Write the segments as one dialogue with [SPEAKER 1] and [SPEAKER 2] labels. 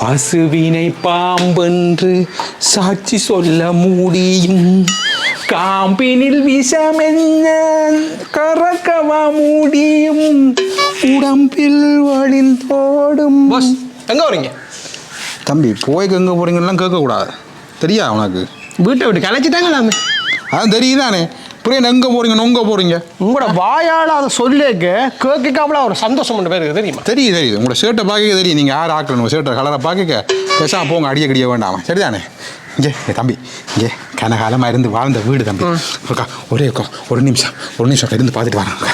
[SPEAKER 1] பசுவினை பாம்பென்று சாட்சி சொல்ல முடியும், காம்பினில் விஷமென்ன கறக்கவா முடியும், உடம்பில் வழிந்தோடும்.
[SPEAKER 2] எங்க வரீங்க
[SPEAKER 1] தம்பி? போய்க்கு எங்கே போகிறீங்கலாம் கேட்கக்கூடாது, தெரியா உனக்கு?
[SPEAKER 2] வீட்டை விட்டு கலைச்சிட்டாங்களாமே.
[SPEAKER 1] அதான் தெரியுதானே. புரியல, எங்கே போகிறீங்க நொங்க போகிறீங்க?
[SPEAKER 2] உங்களோட வாயால் அதை சொல்லேக்க கேட்காமல ஒரு சந்தோஷம் பண்ண பேருக்கு தெரியுமா?
[SPEAKER 1] தெரியுது. உங்களோட ஷர்ட்டை பார்க்க தெரியும், நீங்கள் யார் ஆக்கணும் உங்கள் ஷர்ட்டை கலரை பார்க்க பேசாமல் போங்க, அடிய வேண்டாமா, சரிதானே? இங்கே தம்பி, இங்கே கனகாலமாக இருந்து வாழ்ந்த வீடு தம்பி. ஒரு நிமிஷம் இருந்து பார்த்துட்டு வராங்க.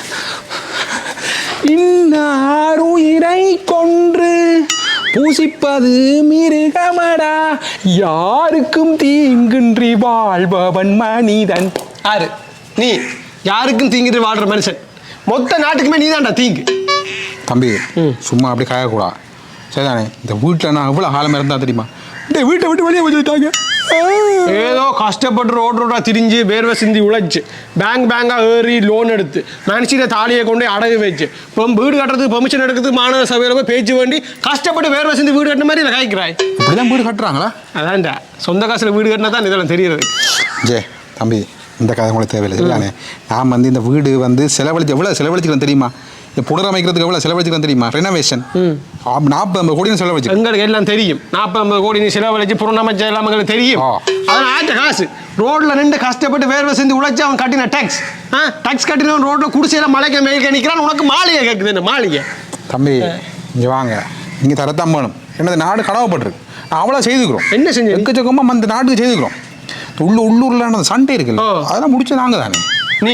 [SPEAKER 1] இன்னாருயிரை கொன்று பூசிப்பது மிருகமடா, யாருக்கும் தீங்கின்றி வாழ்பவன் மனிதன்.
[SPEAKER 2] யாரு நீ? யாருக்கும் தீங்கிட்டு வாழ்ற மனுஷன். மொத்த நாட்டுக்குமே நீ தான்டா தீங்கு.
[SPEAKER 1] தம்பி சும்மா அப்படி காயக்கூடாது, சரிதானே? இந்த வீட்டில் நான் எவ்வளோ காலமாக இருந்தா தெரியுமா? வீட்டை விட்டு வெளியே வச்சுட்டாங்க.
[SPEAKER 2] ஏதோ கஷ்டப்பட்டு ரோட்டா திரிஞ்சு வேர்வை சிந்தி உழைச்சு பேங்காக ஏறி லோன் எடுத்து மனுஷில தாலியை கொண்டு அடகு வச்சு இப்போ வீடு கட்டுறதுக்கு பெர்மிஷன் எடுக்கிறதுக்கு மாணவ சபையில் போய் பேச்சு வேண்டி கஷ்டப்பட்டு வேர்வை சிந்தி வீடு கட்டின மாதிரி இல்லை காய்க்கிறாய்.
[SPEAKER 1] இப்படிதான் வீடு கட்டுறாங்களா?
[SPEAKER 2] அதான்டா சொந்த காசில் வீடு கட்டினா தான் இதெல்லாம் தெரியுது.
[SPEAKER 1] தம்பி இந்த கதை உங்களுக்கு தேவையில்லை, சரிதானே? நான் வந்து இந்த வீடு வந்து எவ்வளோ செலவழிச்சுக்கிறேன் தெரியுமா? புனரமைக்கிறதுக்கு எவ்வளோ செலவழிச்சுக்கிறேன் தெரியுமா? ரெனோவேஷன் 40-50 கோடி செலவழிச்சு.
[SPEAKER 2] எங்களுக்கு எல்லாம் தெரியும். 40-50 கோடி செலவழிச்சு புனரமைச்ச எல்லாம் எங்களுக்கு தெரியும். அதனால் ஆட்ட காசு ரோட்டில் நின்று கஷ்டப்பட்டு வேர்வை செஞ்சு உழைச்சி அவன் கட்டின டேக்ஸ் கட்டினவன் ரோட்டில் குடிசையில் மலைக்க மேய்க்க நிற்கிறான். உனக்கு மாளிகை கேட்குது. இந்த மாளிகை
[SPEAKER 1] தம்பி இங்கே வாங்க, நீங்கள் தரத்தான் வேணும். என்னது நாடு கடவுப்பட்டிருக்கு, நான் அவ்வளோ செய்துக்கிறோம்.
[SPEAKER 2] என்ன செஞ்சு
[SPEAKER 1] எக்கச்சக்கமாக அந்த நாட்டுக்கு செய்துக்கிறோம். உள்ளூரில் சண்டை இருக்குல்ல, அதெல்லாம் முடிச்சு நாங்கள் தானே.
[SPEAKER 2] நீ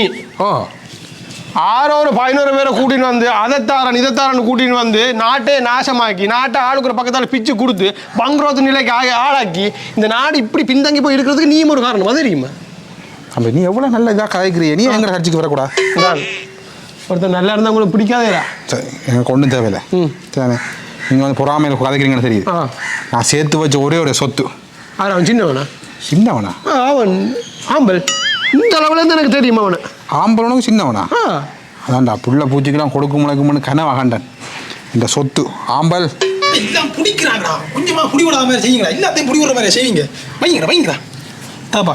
[SPEAKER 2] 600-1100 பேரை கூட்டின்னு வந்து இதைத்தாரன் கூட்டின்னு வந்து நாட்டே நாசமாக்கி நாட்டை ஆளுக்குற பக்கத்தால் பிச்சு கொடுத்து பங்குரோத்து நிலைக்கு ஆளாக்கி இந்த நாடு இப்படி பின்தங்கி போய் இருக்கிறதுக்கு நீயும் ஒரு காரணம். அது தெரியுமா?
[SPEAKER 1] அப்போ நீ எவ்வளோ நல்ல இதாக கதைக்கிறீ, நீ எங்களை கட்சிக்கு வரக்கூடாது.
[SPEAKER 2] ஒருத்தர் நல்லா இருந்தால் உங்களுக்கு பிடிக்காதேடா.
[SPEAKER 1] சரி, எனக்கு ஒன்றும் தேவையில்லை, சரிண்ணே. நீங்கள் வந்து பொறாமையில் கதைக்கிறீங்கன்னு தெரியுது. நான் சேர்த்து வச்ச ஒரே ஒரு சொத்து.
[SPEAKER 2] அவன் சின்னவனா? அவன் ஆம்பல். இந்த அளவுலேருந்து எனக்கு தெரியுமா அவனை?
[SPEAKER 1] ஆம்பளனுக்கு சின்னவனா? அதான்டா புள்ள பூச்சிக்கெல்லாம் கொடுக்க முளைக்கும்னு கனவாகண்டன். இந்த சொத்து ஆம்பல்
[SPEAKER 3] எல்லாம் பிடிக்கிறாங்கடா. கொஞ்சமா புடி விடாத மாதிரி செய்யுங்களா, எல்லாத்தையும் புடி விடுற மாதிரி செய்வீங்க. வைங்கடா தாப்பா.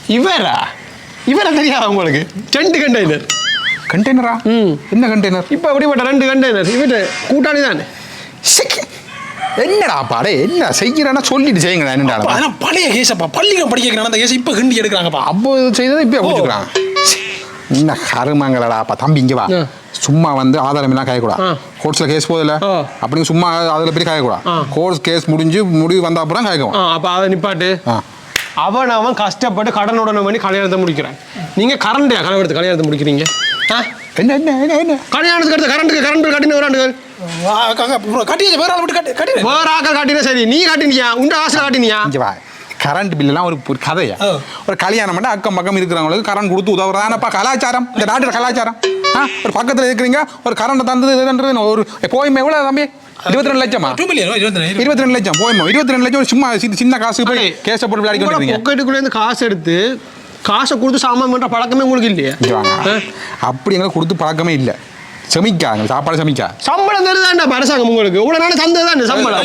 [SPEAKER 2] இவரை தெரியாது உங்களுக்கு? 2
[SPEAKER 1] கண்டெய்னரா? என்ன கண்டெய்னர்?
[SPEAKER 2] இப்போ அப்படிப்பட்ட 2 கண்டெய்னர் இவட்டு கூட்டாளி தானே.
[SPEAKER 1] என்னடா பாடே, என்ன செய்யறேன்னா சொல்லிட்டு செய்யுங்கடா. என்னடா
[SPEAKER 3] பழைய கேஸப்பா, பள்ளிக்கூடம் படிக்க அந்த கேஸ் இப்போ கிண்டி எடுக்கிறாங்கப்பா.
[SPEAKER 1] அப்போ செய்ததை இப்போ பிடிச்சிக்கிறாங்க. என்ன கருமாங்களாப்பா. தம்பி இங்கே வா, சும்மா வந்து ஆதாரம் எல்லாம் காயக்கூடாது. கோர்ட்ஸில் கேஸ் போதில்ல அப்படின்னு சும்மா அதில் போய் காயக்கூடாது. கோர்ட்ஸ் கேஸ் முடிவு வந்த அப்புறம் காய்க்கும்.
[SPEAKER 2] அப்போ அதை நிப்பாட்டு. அவன் கஷ்டப்பட்டு கடனுடனே பண்ணி கல்யாணத்தை முடிக்கிறான். நீங்கள் கல்யாணத்தை முடிக்கிறீங்க.
[SPEAKER 1] என்ன என்ன என்ன என்ன
[SPEAKER 2] கல்யாணத்துக்கு அடுத்த கரண்ட் பில் கட்டின வராண்டுகள்
[SPEAKER 3] வேற ஆள் விட்டு
[SPEAKER 2] வேற ஆக்கள் காட்டினா சரி, நீ காட்டினியா? உண்ட ஆசை காட்டினியா?
[SPEAKER 1] கரண்ட் பில்லாம் ஒரு கதையா? ஒரு கல்யாணம் பண்ண அக்கம் பக்கம் இருக்கிறவங்களுக்கு கரண்ட் கொடுத்து உதவுறதானப்பா கலாச்சாரம், இந்த நாட்டு கலாச்சாரம். ஒரு பக்கத்தில் இருக்கிறீங்க, ஒரு கரண்ட் தந்தது ஒரு போயுமே எவ்வளோ தம்பி? 22 லட்சமா? 22 லட்சம் போயுமோ? 22 லட்சம் சும்மா சின்ன காசு போய் கேஸை போட்டு விளையாடிக்கிறீங்க.
[SPEAKER 2] பொக்கெட்டுக்குள்ளேருந்து காசு எடுத்து காசை கொடுத்து சாமான் பண்ணுற பழக்கமே உங்களுக்கு இல்லையா?
[SPEAKER 1] அப்படி எங்களுக்கு கொடுத்து பழக்கமே இல்லை. சாப்பாடு
[SPEAKER 2] சம்பளம் தருதாண்டா அரசாங்கம் உங்களுக்கு. இவ்வளோ நாள் தந்ததானே சம்பளம்?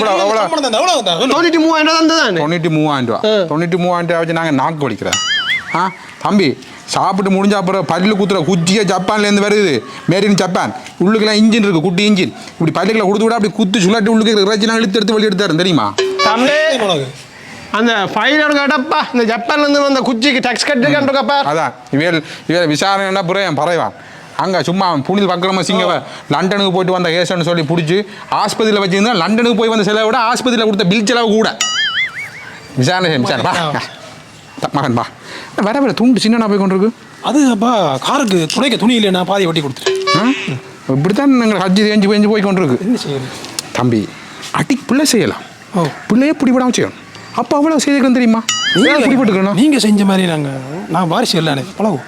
[SPEAKER 2] 93,000 தந்ததானே.
[SPEAKER 1] 93,000 ரூபா. 93,000 வச்சு நாங்கள் நாக்கு வலிக்கிறேன். தம்பி சாப்பிட்டு முடிஞ்ச அப்புறம் பல்லு குத்துற குச்சியை ஜப்பான்லேருந்து வருது, மேரின் ஜப்பான். உள்ளுக்கெல்லாம் இன்ஜின் இருக்குது, குட்டி இன்ஜின். இப்படி பல்லுகளை கொடுத்து விட அப்படி குத்து சுழட்டி உள்ளுக்கு இறைச்சிலாம் எடுத்து வெளியே எடுத்தாரு தெரியுமா?
[SPEAKER 2] தம்பி அந்த ஃபைலோட கடப்பா இந்த ஜப்பான்லேருந்து வந்த குச்சிக்கு டேக்ஸ் கட்டுக்கா.
[SPEAKER 1] அதான் இவன் விசாரணைன்னா புரியும் பறைவான். அங்கே சும்மா புனித பக்கரமா சிங்கவ லண்டனுக்கு போயிட்டு வந்த கேஸ்ன்னு சொல்லி பிடிச்சி ஆஸ்பத்திரியில் வச்சுருந்தா லண்டனுக்கு போய் வந்த செலவை விட ஆஸ்பத்திரியில் கொடுத்த பில் செலவு கூட. விசாரணை மகன் பா வர துண்டு சின்ன போய் கொண்டிருக்கு.
[SPEAKER 3] அது அப்பா காருக்கு துணைக்க துணி இல்லை, நான் பாதி வட்டி கொடுத்துட்டேன்.
[SPEAKER 1] இப்படித்தான் நாங்கள் ஹஜ்ஜி தேஞ்சு போய் கொண்டிருக்கு.
[SPEAKER 3] என்ன செய்யணும்
[SPEAKER 1] தம்பி? பிள்ளை செய்யலாம், பிள்ளையே பிடிபடாமல் செய்யணும். அப்போ அவ்வளோ செய்திருக்கணும் தெரியுமா? பிடிபட்டுக்கணும்.
[SPEAKER 3] நீங்கள் செஞ்ச மாதிரி நான் வாரிசு இல்லை பழகும்.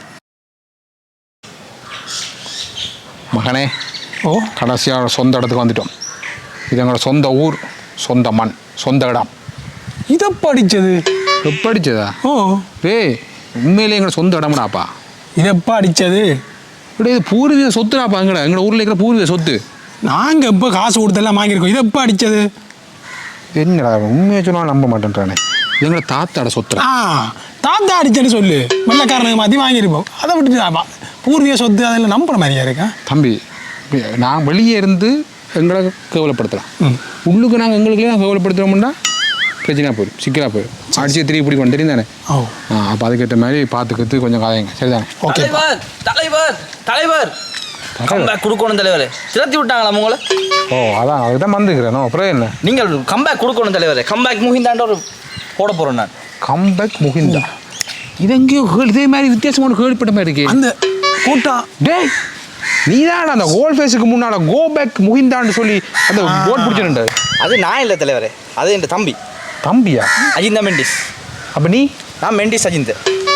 [SPEAKER 1] மகனே கடைசியாக சொந்த இடத்துக்கு வந்துட்டோம். இது எங்களோட சொந்த ஊர், சொந்த மண், சொந்த இடம்.
[SPEAKER 3] இதை படித்தது
[SPEAKER 1] படித்ததா? உண்மையிலே எங்களோட சொந்த இடம்டாப்பா.
[SPEAKER 3] இதை படித்தது
[SPEAKER 1] இப்படி இது பூர்வீக சொத்துடாப்பா. எங்களோட ஊரில் இருக்கிற பூர்வீக சொத்து.
[SPEAKER 3] நாங்கள் இப்போ காசு கொடுத்தெல்லாம் வாங்கியிருக்கோம். இதை படித்தது
[SPEAKER 1] என்னடா உண்மையை சொன்னாலும் நம்ப மாட்டேன்றானே எங்களை தாத்தாட சொத்துறா
[SPEAKER 3] தாத்தா அடிச்சேன்னு சொல்லு வெள்ளக்காரனுக்கு மாற்றி வாங்கியிருப்போம் அதை விட்டுட்டு பூர்வீக சொத்து அதில் நம்புற மாதிரியா இருக்கா
[SPEAKER 1] தம்பி நான் வெளியே இருந்து எங்களை கேவலப்படுத்தலாம் உள்ளுக்கு நாங்கள் எங்களுக்குள்ளே நாங்கள் கேவலப்படுத்துகிறோம்னா பிரச்சனையாக போயிடும் சிக்கலாக போயிடும் அடிச்சு திருப்பி பிடிக்கும் தெரியும் தானே அப்போ அதுக்கேற்ற மாதிரி பார்த்துக்கிறது கொஞ்சம் காயங்க சரிதானே
[SPEAKER 3] ஓகே
[SPEAKER 4] தலைவர் கம்பேக் கொடுக்கணும் தலைவரே சிரத்தி விட்டாங்களா உங்களை
[SPEAKER 1] அதான் அதுக்கு தான் வந்துக்கிறேன் அப்புறம் என்ன
[SPEAKER 4] நீங்கள் கம்பேக் கொடுக்கணும் தலைவரே கம்பேக் முகிந்தாண்ட ஒரு போட போகிறோம் நான்
[SPEAKER 1] கம்பேக் முகிந்தா இது எங்கேயோ இதே மாதிரி வித்தியாசமான கேள்விப்பட்ட மாதிரி இருக்கே
[SPEAKER 3] அந்த கூட்டம்
[SPEAKER 1] டேய் நீ தான் அந்த கோல் ஃபேஸுக்கு முன்னால் கோ பேக் முகிந்தான்னு சொல்லி அந்த போட் பிடிச்சிருந்த
[SPEAKER 4] அது நான் இல்லை தலைவரே அது என் தம்பி
[SPEAKER 1] தம்பியா
[SPEAKER 4] அஜிந்தா மெண்டிஸ்
[SPEAKER 1] அப்போ நீ
[SPEAKER 4] நான் மெண்டிஸ் அஜிந்த்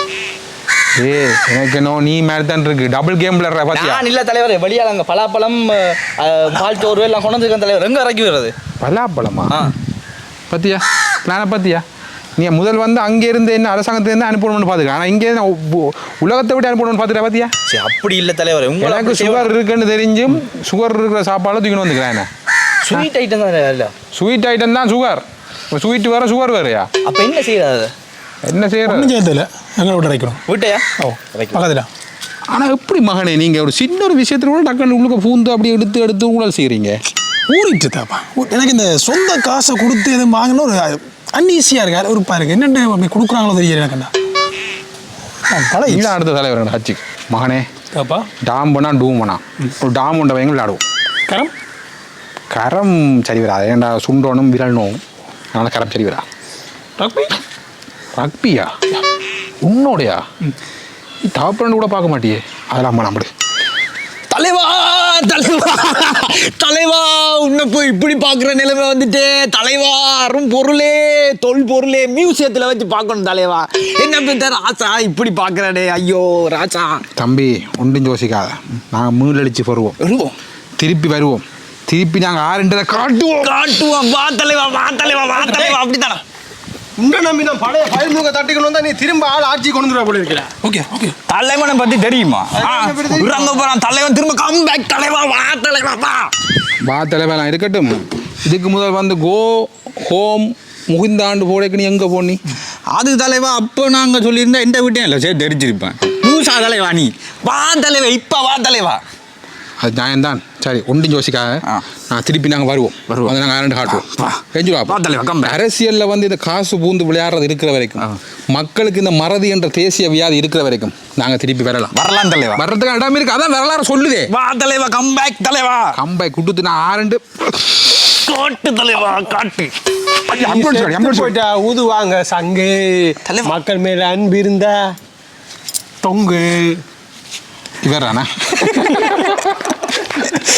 [SPEAKER 1] எனக்கு என்ன நீ மாதிரி தான் இருக்கு டபுள் கேம் விளையாடுற பாத்தியா
[SPEAKER 4] நான் இல்லை தலைவரே வெளியால் அங்கே பலாப்பழம் பால் சோறு எல்லாம் கொண்டு வந்துருக்கேன் தலைவர் எங்கே இறக்கி வர்றது
[SPEAKER 1] பலாப்பழமா பாத்தியா பிளானை பாத்தியா நீ முதல் வந்து அங்கே இருந்து என்ன அரசாங்கத்திலேருந்து அனுப்பணும்னு பார்த்துக்க ஆனால் இங்கே உலகத்தை விட்டு அனுப்பணும்னு பார்த்துட்டா பாத்தியா
[SPEAKER 4] சரி அப்படி இல்லை தலைவரே
[SPEAKER 1] எனக்கு சுகர் இருக்குன்னு தெரிஞ்சும் சுகர் இருக்கிற சாப்பாடு தூக்கின்னு வந்துக்கிறேன் என்ன
[SPEAKER 4] ஸ்வீட் ஐட்டம் தான் இல்லை
[SPEAKER 1] ஸ்வீட் ஐட்டம் தான் சுகர் ஸ்வீட் வேற சுகர் வேறையா
[SPEAKER 4] அப்போ என்ன செய்யறது
[SPEAKER 1] என்ன செய்யறது
[SPEAKER 3] ஒன்றும் செய்யறதில்ல எங்களை விட்டு இறைக்கணும்
[SPEAKER 4] வீட்டையா
[SPEAKER 3] பக்கத்தில்
[SPEAKER 1] ஆனால் எப்படி மகனே நீங்கள் ஒரு சின்ன ஒரு விஷயத்துல கூட டக்குன்னு உள்ளுக்க பூந்து அப்படி எடுத்து ஊழல் செய்கிறீங்க
[SPEAKER 3] ஊறிட்டு தாப்பா எனக்கு இந்த சொந்த காசை கொடுத்து எதுவும் வாங்கினா ஒரு அன்ஈஸியாக இருக்கு ஒரு பாருக்கு என்னென்ன அப்படி கொடுக்குறாங்களோ தெரியல எனக்குண்ணா பல
[SPEAKER 1] இதான் அடுத்த தலைவர் ஹச்சி மகனே
[SPEAKER 3] தாப்பா
[SPEAKER 1] டாம் பண்ணா டூம் பண்ணா ஒரு டாம் உண்ட வைங்க விளையாடுவோம்
[SPEAKER 3] கரம்
[SPEAKER 1] கரம் சரி வரா ஏன்டா சுண்டோனும் விரலணும் அதனால் கரம் சரி வரா
[SPEAKER 3] ரக்பி
[SPEAKER 1] ரக்பியா உன்னோடையா நீ தாப்பரண்டு கூட பார்க்க மாட்டியே அதெல்லாம் அம்மா நம்படு
[SPEAKER 4] தலைவா தலைவா தலைவா உன்னை போய் இப்படி பார்க்குற நிலைமை வந்துட்டு தலைவா அரும் பொருளே தொல் பொருளே மியூசியத்தில் வச்சு பார்க்கணும் தலைவா என்ன பேர் ராசா இப்படி பார்க்குறானே ஐயோ ராசா
[SPEAKER 1] தம்பி ஒன்றும் யோசிக்காத நாங்கள் மூணடிச்சு வருவோம் திருப்பி வருவோம் திருப்பி நாங்கள் ஆறுன்றதை
[SPEAKER 4] காட்டுவோம் வா தலைவா அப்படித்தானா
[SPEAKER 2] உன்னை நம்பி நான் பழைய ஃபைல் மூக்க தட்டிக்கணும் வந்தா நீ திரும்ப ஆள் ஆட்சி கொண்டு வர போல இருக்கிற
[SPEAKER 3] ஓகே ஓகே
[SPEAKER 4] தலைவனை பற்றி தெரியுமா இறங்க போகிறான் தலைவன் திரும்ப கம்பேக் தலைவா
[SPEAKER 1] வா தலைவலாம் இருக்கட்டும் இதுக்கு முதல் வந்து கோ ஹோம் முகிந்தாண்டு போடைக்கு நீ எங்கே போனி
[SPEAKER 4] அது தலைவா அப்போ நாங்கள் சொல்லியிருந்தா எந்த வீட்டையும் இல்லை சரி தெரிஞ்சிருப்பேன் லூசா தலைவா நீ வா தலைவா இப்போ வா தலைவா
[SPEAKER 1] அது நியாயம்தான் சரி ஒன்றும் யோசிக்காத நான் திருப்பி நாங்கள் வருவோம் வந்து நாங்கள் ஆரண்டு காட்டுவோம் செஞ்சுருவா அரசியலில் வந்து இந்த காசு பூந்து விளையாடுறது இருக்கிற வரைக்கும் மக்களுக்கு இந்த மறதி என்ற தேசிய வியாதி இருக்கிற வரைக்கும் நாங்கள் திருப்பி வரலாம்
[SPEAKER 4] தலைவா
[SPEAKER 1] வர்றதுக்கு இடம் இருக்கு அதான் வரலாறு சொல்லுதே
[SPEAKER 4] வா தலைவா கம்பேக் தலைவா
[SPEAKER 1] கம்பேக் கொடுத்து நான் ஆரண்டு
[SPEAKER 4] காட்டு தலைவா காட்டு
[SPEAKER 2] போயிட்டா ஊதுவாங்க சங்கு மக்கள் மேல அன்பு இருந்தா தொங்கு
[SPEAKER 1] இவரானா